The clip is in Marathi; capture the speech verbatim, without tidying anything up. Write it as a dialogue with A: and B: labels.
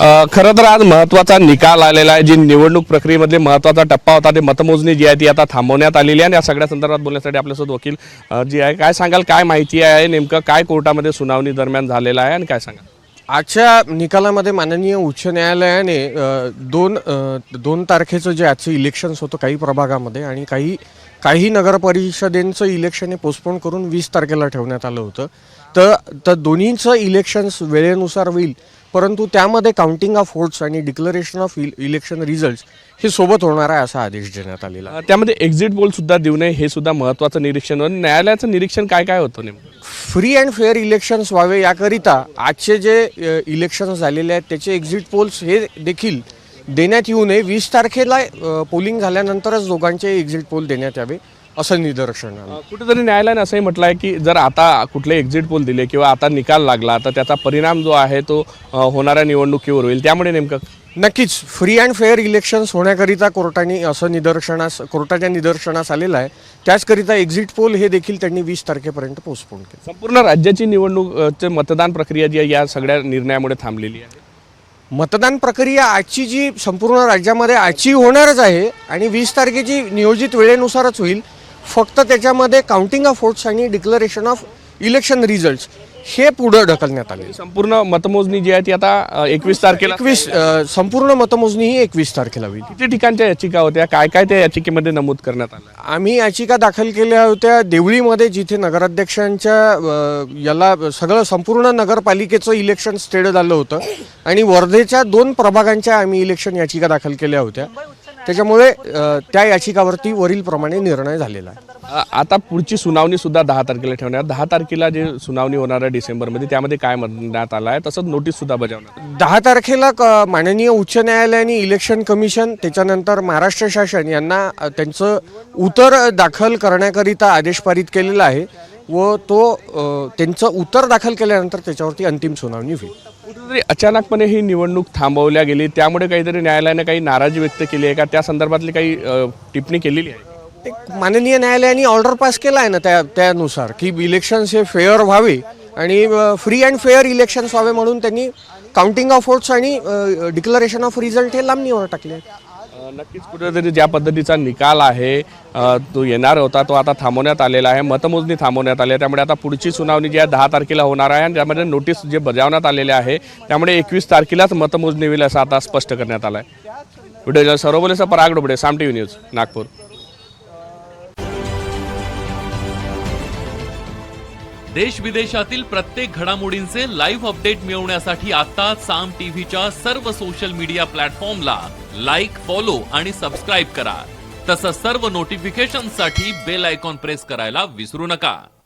A: अ, खरं तर आज महत्त्वाचा निकाल आलेला आहे। जी निवडणूक प्रक्रियेमधले महत्त्वाचा टप्पा होता ते मतमोजणी जी आहे ती आता थांबवण्यात आलेली आहे आणि या सगळ्या संदर्भात बोलण्यासाठी आपल्यासोबत वकील अ, जी आहे, काय सांगाल, काय माहिती आहे, नेमकं काय कोर्टामध्ये सुनावणी दरम्यान झालेलं आहे आणि काय सांगाल?
B: आजच्या निकालामध्ये माननीय उच्च न्यायालयाने अ, दोन अ, दोन तारखेचं जे आजचं इलेक्शन्स होतं काही प्रभागामध्ये आणि काही काही नगरपरिषदेंचं इलेक्शन हे पोस्टपोन करून वीस तारखेला ठेवण्यात आलं होतं। तर तर दोन्हीचं इलेक्शन्स वेळेनुसार होईल, परंतु त्यामध्ये काउंटिंग ऑफ वोट्स आणि डिक्लरेशन ऑफ इलेक्शन रिझल्ट्स हे सोबत होणार आहे असा आदेश देण्यात आलेला आहे।
A: अ, त्यामध्ये एक्झिट पोल सुद्धा देऊ नये हे सुद्धा महत्त्वाचं निरीक्षण होतं। न्यायालयाचं निरीक्षण काय काय होतं नेमकं?
B: फ्री अँड फेअर इलेक्शन्स व्हावे याकरिता आजचे जे इलेक्शन्स झालेले आहेत त्याचे एक्झिट पोल्स हे देखील देण्यात येऊ नये। वीस तारखेला पोलिंग झाल्यानंतरच दोघांचे एक्झिट पोल देण्यात यावे असं निदर्शन आलं।
A: अ, कुठेतरी न्यायालयाने असंही म्हटलं आहे की जर आता कुठले एक्झिट पोल दिले किंवा आता निकाल लागला तर त्याचा परिणाम जो आहे तो अ, होणाऱ्या निवडणुकीवर होईल, त्यामुळे नेमकं
B: नक्कीच फ्री अँड फेअर इलेक्शन्स होण्याकरिता कोर्टाने असं निदर्शनास कोर्टाच्या निदर्शनास आलेलं आहे। त्याचकरिता एक्झिट पोल हे देखील त्यांनी वीस तारखेपर्यंत पोस्टपोन केलं।
A: संपूर्ण राज्याची निवडणूक अ, चे मतदान प्रक्रिया जी आहे या सगळ्या निर्णयामुळे थांबलेली आहे।
B: मतदान प्रक्रिया आजची जी संपूर्ण राज्यामध्ये आजची होणारच आहे आणि वीस तारखेची नियोजित वेळेनुसारच होईल। फक्त त्याच्यामध्ये काउंटिंग ऑफ वोट्स आणि डिक्लरेशन ऑफ इलेक्शन रिझल्ट्स हे पुढे ढकलण्यात आले।
A: संपूर्ण मतमोजणी जी आहे ती आता एकवीस तारखेला
B: एकवीस संपूर्ण मतमोजणी ही एकवीस तारखेला होईल।
A: किती ठिकाणच्या याचिका होत्या, काय काय त्या याचिकेमध्ये नमूद करण्यात आलं?
B: आम्ही याचिका दाखल केल्या होत्या देवळीमध्ये, जिथे नगराध्यक्षांच्या अ, याला सगळं संपूर्ण नगरपालिकेचं इलेक्शन स्टेड झालं होतं आणि वर्धेच्या दोन प्रभागांच्या आम्ही इलेक्शन याचिका दाखल केल्या होत्या। त्याच्यामुळे अ, त्या याचिकावरती वरीलप्रमाणे निर्णय झालेला आहे।
A: अ, आता पुढची सुनावणी सुद्धा दहा तारखेला ठेवणार। दहा तारखेला जे सुनावणी होणार आहे डिसेंबरमध्ये, त्यामध्ये काय म्हणण्यात आलं आहे, तसंच नोटीस सुद्धा बजावणार।
B: दहा तारखेला क माननीय उच्च न्यायालयाने इलेक्शन कमिशन त्याच्यानंतर महाराष्ट्र शासन यांना अ, त्यांचं उत्तर दाखल करण्याकरिता आदेश पारित केलेला आहे व तो अ, त्यांचं उत्तर दाखल केल्यानंतर त्याच्यावरती अंतिम सुनावणी होईल।
A: कुठेतरी अचानकपणे ही निवडणूक थांबवल्या गेली, त्यामुळे काहीतरी न्यायालयाने काही नाराजी व्यक्त केली आहे का, त्या संदर्भातली काही अ, टिप्पणी केलेली आहे?
B: एक माननीय न्यायालयाने ऑर्डर पास केला आहे ना त्या त्यानुसार की इलेक्शन्स हे फेअर व्हावे आणि फ्री अँड फेअर इलेक्शन्स व्हावे म्हणून त्यांनी काउंटिंग ऑफ वोट्स आणि डिक्लरेशन ऑफ रिझल्ट हे लांबणीवर टाकले।
A: अ, नक्कीच कुठेतरी ज्या पद्धतीचा निकाल आहे अ, तो येणार होता तो आता थांबवण्यात आलेला आहे, मतमोजणी थांबवण्यात आली आहे। त्यामुळे आता पुढची सुनावणी जी आहे दहा तारखेला होणार आहे आणि त्यामध्ये नोटीस जे बजावण्यात आलेले आहे त्यामुळे एकवीस तारखेलाच मतमोजणी होईल असं आता स्पष्ट करण्यात आलं आहे। व्हिडिओ सर्वोलेचा पराग डोबडे, साम टीव्ही न्यूज, नागपूर।
C: देश विदेशातील प्रत्येक घडामोडींचे लाईव्ह अपडेट मिळवण्यासाठी आता साम टीव्हीच्या सर्व सोशल मीडिया प्लॅटफॉर्मला लाईक, फॉलो आणि सबस्क्राईब करा। तसंच सर्व नोटिफिकेशनसाठी बेल आयकॉन प्रेस करायला विसरू नका।